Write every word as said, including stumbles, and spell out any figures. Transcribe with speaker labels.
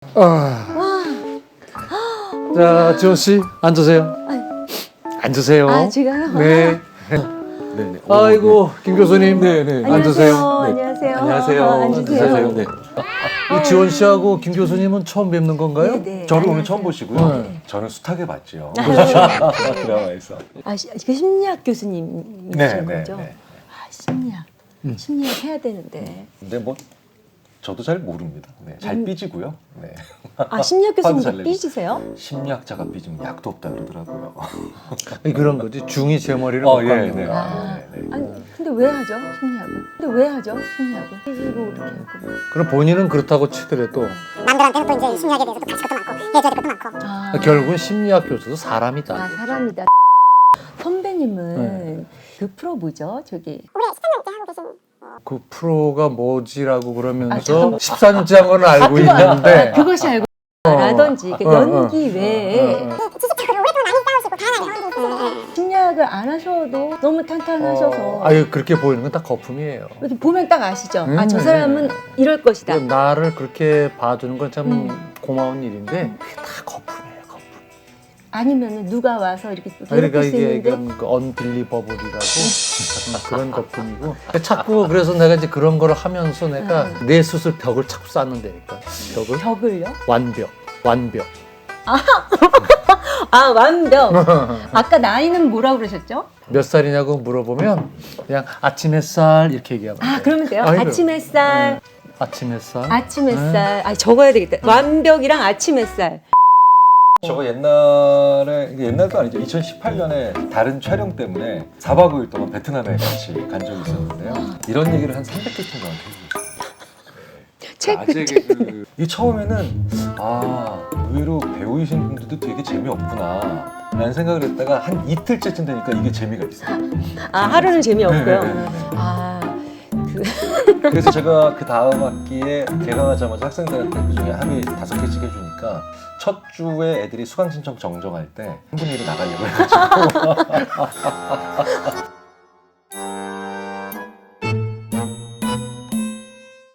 Speaker 1: 아.
Speaker 2: 와.
Speaker 1: 자, 지원 씨 앉으세요. 앉으세요.
Speaker 2: 아, 지금요?
Speaker 1: 네.
Speaker 3: 네네.
Speaker 1: 아이고, 김 교수님.
Speaker 3: 네, 네.
Speaker 1: 앉으세요.
Speaker 2: 안녕하세요.
Speaker 3: 안녕하세요.
Speaker 2: 아, 앉으세요.
Speaker 3: 앉으세요. 네.
Speaker 1: 이 지원 씨하고 김 교수님은 처음 뵙는 건가요?
Speaker 2: 네, 네.
Speaker 3: 저를 오늘
Speaker 2: 안녕하세요.
Speaker 3: 처음 보시고요.
Speaker 1: 네.
Speaker 3: 저는 숱하게 봤죠.
Speaker 2: 아,
Speaker 3: 드라마에서.
Speaker 2: 아, 시- 그 심리학 교수님이신
Speaker 3: 네, 네,
Speaker 2: 거죠?
Speaker 3: 네.
Speaker 2: 아, 심리학.
Speaker 1: 음.
Speaker 2: 심리학 해야 되는데.
Speaker 3: 근데 뭐 저도 잘 모릅니다. 네, 잘
Speaker 2: 음.
Speaker 3: 삐지고요. 네.
Speaker 2: 아, 심리학
Speaker 3: 화도 잘
Speaker 2: 교수님도
Speaker 3: 내고.
Speaker 2: 삐지세요?
Speaker 3: 심리학자가 삐지면 약도 없다 그러더라고요.
Speaker 1: 아니, 그런 거지. 중이 제 머리를
Speaker 3: 어,
Speaker 1: 못
Speaker 3: 예,
Speaker 1: 감는
Speaker 3: 네.
Speaker 1: 거야.
Speaker 2: 아,
Speaker 3: 네, 네.
Speaker 2: 아니, 근데 왜 하죠? 심리학은? 근데 왜 하죠? 심리학은? 삐지고 이렇게 하고.
Speaker 1: 그럼 본인은 그렇다고 치더라도
Speaker 4: 남들한테는 또 이제 심리학에 대해서 또 가르칠 것도 많고 해줘야 될 것도 많고
Speaker 2: 아,
Speaker 1: 결국은 심리학 교수도 사람이다.
Speaker 2: 아, 사람이다. 선배님은 그 프로 뭐죠? 저기
Speaker 4: 올해 십삼 년째 하고 계신
Speaker 1: 그 프로가 뭐지라고
Speaker 2: 아,
Speaker 1: 그러면서
Speaker 2: 잠깐만.
Speaker 1: 십사 년째 한 건 알고
Speaker 2: 그거-
Speaker 1: 있는데
Speaker 2: 아, 그것이 알고 라든지 그
Speaker 1: 어, 어,
Speaker 2: 연기 외에
Speaker 1: 어, 어.
Speaker 4: 지식적으로 오랫동안 많이 싸우시고 다양한 경험들이 있으시고
Speaker 2: 심리학을 안 하셔도 너무 탄탄하셔서
Speaker 1: 어, 아유, 그렇게 보이는 건 다 거품이에요.
Speaker 2: 이렇게 보면 딱 아시죠? 아, 저
Speaker 1: 음.
Speaker 2: 사람은 이럴 것이다.
Speaker 1: 그러니까 나를 그렇게 봐주는 건 참
Speaker 2: 음.
Speaker 1: 고마운 일인데 그게 다 거품이에요, 거품.
Speaker 2: 아니면 누가 와서 이렇게
Speaker 1: 그러니까
Speaker 2: 괴롭힐 수
Speaker 1: 이게
Speaker 2: 있는데
Speaker 1: 이건 그 언빌리버블이라고 그런 거품이고 자꾸 그래서 내가 이제 그런 거를 하면서 내가
Speaker 2: 음.
Speaker 1: 내 스스로 벽을 자꾸 쌓는다니까. 벽을
Speaker 2: 벽을요?
Speaker 1: 완벽, 완벽.
Speaker 2: 아, 완벽. 아까 나이는 뭐라고 그러셨죠?
Speaker 1: 몇 살이냐고 물어보면 그냥 아침 햇살 이렇게 얘기하면
Speaker 2: 아,
Speaker 1: 돼.
Speaker 2: 그러면 돼요?
Speaker 1: 아이고.
Speaker 2: 아침 햇살,
Speaker 1: 네. 아침 햇살.
Speaker 2: 아침 햇살. 아, 적어야 되겠다. 완벽이랑 아침 햇살.
Speaker 3: 저거 옛날에 이게 옛날도 아니죠. 이천십팔 년에 다른 촬영 때문에 사 박 오 일 동안 베트남에 같이 간 적이 있었는데요. 이런 얘기를 한 삼백 개 정도 저한테 해주셨어요.
Speaker 2: 책,
Speaker 3: 아재 개그. 이 처음에는 아 의외로 배우이신 분들도 되게 재미없구나 라는 생각을 했다가 한 이틀째쯤 되니까 이게 재미가 있어요.
Speaker 2: 아, 하루는 재미없고요.
Speaker 3: 네, 네, 네, 네.
Speaker 2: 아, 그
Speaker 3: 그래서 제가 그 다음 학기에 개강하자마자 학생들한테 그 중에 하루에 다섯 개씩 해주니까 첫 주에 애들이 수강 신청 정정할 때 한 분이 일 나가려고 해가지고